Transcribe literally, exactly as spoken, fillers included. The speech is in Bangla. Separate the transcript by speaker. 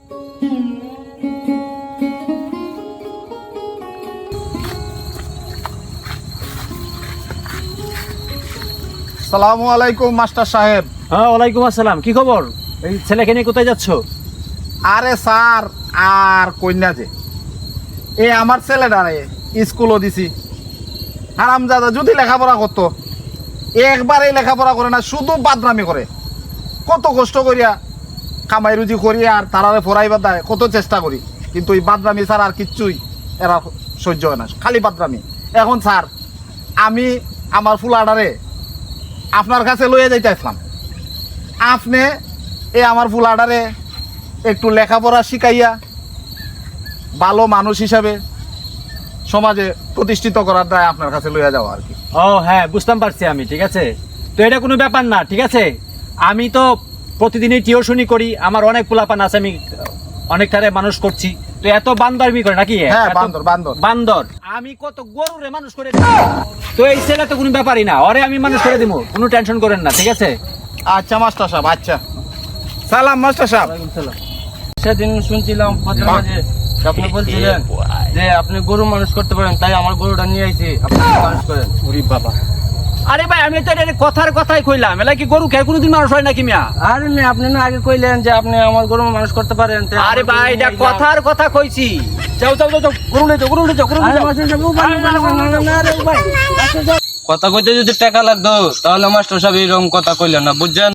Speaker 1: আসসালামু আলাইকুম মাস্টার সাহেব।
Speaker 2: হ্যাঁ, ওয়ালাইকুম আসসালাম। কি খবর? এই ছেলেকে নিয়ে কোথায় যাচ্ছ?
Speaker 1: আরে স্যার আর কন্যা যে এ আমার ছেলেটারে স্কুলও দিছি, হারামজাদা যদি লেখাপড়া করতো একবারেই লেখাপড়া করে না, শুধু বাদরামি করে। কত কষ্ট করিয়া কামাই রুজি করি আর তারারে পড়াইবার দেয়, কত চেষ্টা করি, কিন্তু এই বাদরামি স্যার আর কিচ্ছুই এরা সহ্য হয় না, খালি বাদরামি। এখন স্যার আমি আমার ফুলাডারে আপনার কাছে লইয়া যাইতে আসলাম, আপনি এ আমার ফুলাডারে একটু লেখাপড়া শিখাইয়া ভালো মানুষ হিসাবে সমাজে প্রতিষ্ঠিত করার দায় আপনার কাছে লইয়া যাওয়া আর কি।
Speaker 2: ও হ্যাঁ, বুঝতাম পারছি আমি। ঠিক আছে, তো এটা কোনো ব্যাপার না। ঠিক আছে, আমি তো প্রতিদিনই টিউশনি করি, আমার অনেক পোলাপান আছে, আমি অনেকটারে মানুষ করছি। তো এত বান্দরমি করে নাকি?
Speaker 1: হ্যাঁ,
Speaker 2: এত
Speaker 1: বান্দর বান্দর
Speaker 2: বান্দর। আমি কত গরুরে মানুষ করে দিই। তো এই ছেলে তো কোনো ব্যাপারই না, ওরে আমি মানুষ করে দিব, কোনো টেনশন করেন না। ঠিক আছে?
Speaker 1: আচ্ছা মাস্টার সাহেব, আচ্ছা সালাম মাস্টার সাহেব।
Speaker 3: সেদিন শুনছিলাম মাঝে আপনি বলছিলেন যে আপনি গরু মানুষ করতে পারেন, তাই আমার গরুটা নিয়ে আইছি, আপনি মানুষ করেন।
Speaker 2: ওরে বাবা, আরে ভাই আমি তো এটা কথার কথাই কইলাম, এলা কি গরু খেয়ে কোনোদিন মানুষ হয় নাকি মিয়া?
Speaker 3: আরে না, আপনি না আগে কইলেন যে আপনি আমার গরু মানুষ করতে পারেন। তাই
Speaker 2: আরে
Speaker 3: আমার
Speaker 2: ভাই
Speaker 3: গরু
Speaker 2: এটা
Speaker 3: নিয়ে যাও।
Speaker 2: কথার কথা কইছি। যাও যাও যাও যাও, গরু নিয়ে যাও, গরু নিয়ে যাও, গরু নিয়ে
Speaker 3: আরে
Speaker 2: যাও।
Speaker 3: মাস্টার সাহেব, ও ভাই, না, না, না, না, রে, ও ভাই। কথা কইতে যদি টাকা লাগতো তাহলে মাস্টার সাহেব এরকম কথা কইলেন না, বুঝছেন?